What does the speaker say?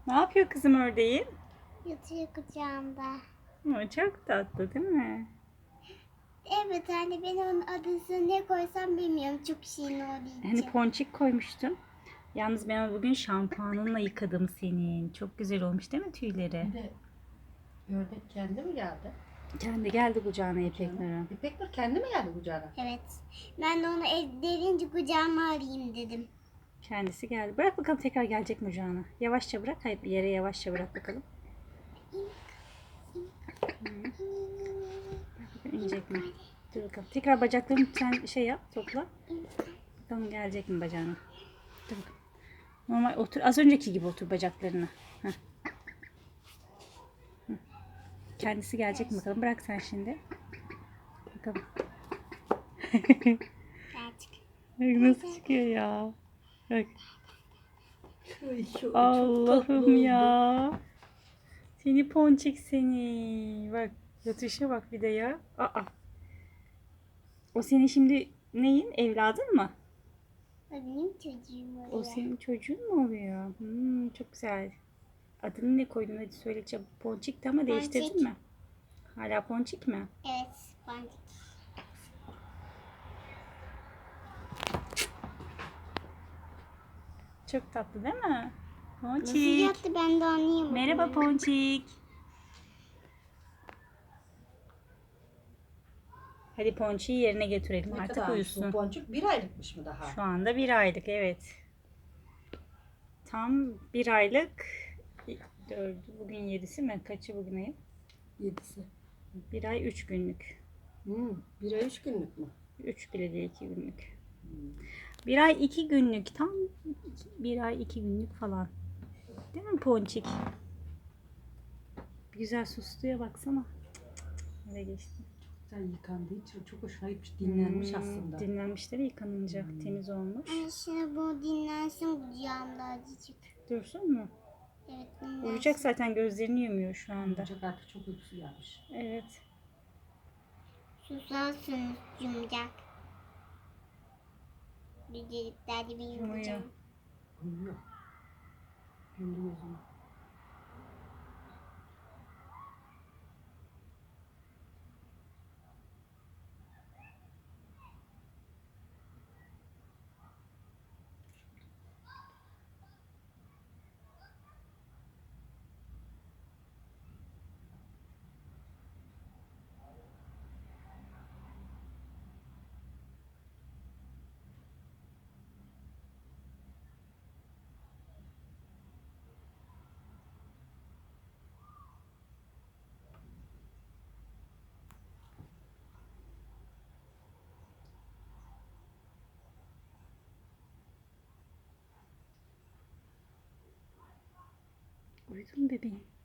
Ne yapıyor kızım ördeğin? Yatıyor kucağımda. Çok tatlı değil mi? Evet anne, ben onun adını ne koysam bilmiyorum. Çok şirin olduğu Hani için. ponçik koymuştun. Yalnız ben onu bugün şampuanınla yıkadım senin. Çok güzel olmuş değil mi tüyleri? Bir de ördek kendi mi geldi? Kendi geldi kucağına İpek Canım. Nur'un. İpek Nur kendi mi geldi kucağına? Evet. Ben de onu derince kucağıma arayayım dedim. Kendisi geldi. Bırak bakalım tekrar gelecek mi kucağına? Yavaşça bırak. Hayır, bir yere yavaşça bırak bakalım. İnecek mi? Dur bakalım. Tekrar bacaklarını sen şey yap, topla. Bakalım gelecek mi bacağına? Dur bakalım. Normal otur. Az önceki gibi otur bacaklarına. Heh. Hı. Kendisi gelecek mi bakalım? Bırak sen şimdi. Bakalım. Gerçek. Bak nasıl çıkıyor ya. Bak. Ay, çok Allah'ım tatlı oldu. ya. Seni ponçik seni. Bak yatışa bak bir de ya. Aa. O senin şimdi neyin? Evladın mı? O benim çocuğum oluyor. O senin çocuğun mu oluyor? Çok güzel. Adını ne koydun? Hadi söyle çabuk. Ponçik'ti ama değiştirdin Ponçik. mi? Hala Ponçik mi? Evet. Boncuk. Çok tatlı değil mi? Nasıl Ponçik. yattı, ben de anlayamadım. Merhaba Ponçik. Hadi Ponçik'i yerine götürelim. Ne Artık kadarmış bu uyusun. boncuk? 1 aylıkmış mı daha? Şu anda 1 aylık, evet. Tam 1 aylık. Bugün 7'si mi? Kaçı bugün ayın? 7'si. 1 ay 3 günlük. 1 ay 3 günlük mü? 3 bile değil, 2 günlük. 1 ay 2 günlük. Tam 1 ay 2 günlük falan. Değil mi Ponçik? Güzel susluya baksana. Nereye geçti? Sen yıkandığı için çok hoşuna gitmiş. Dinlenmiş aslında. Dinlenmişleri yıkanınca temiz olmuş. Ay, şimdi bu dinlensin kucağımda azıcık. Dursun mu? Evet, dinlensin. Uyuyacak zaten, gözlerini yumuyor şu anda. Ancak artık çok uykusu gelmiş. Evet. Susarsınız yumacak. Bir deliklerdi bir Yumuyor. yumacağım. Uyuyor. Gündüz gözünü. Uyudun mu bebeğim?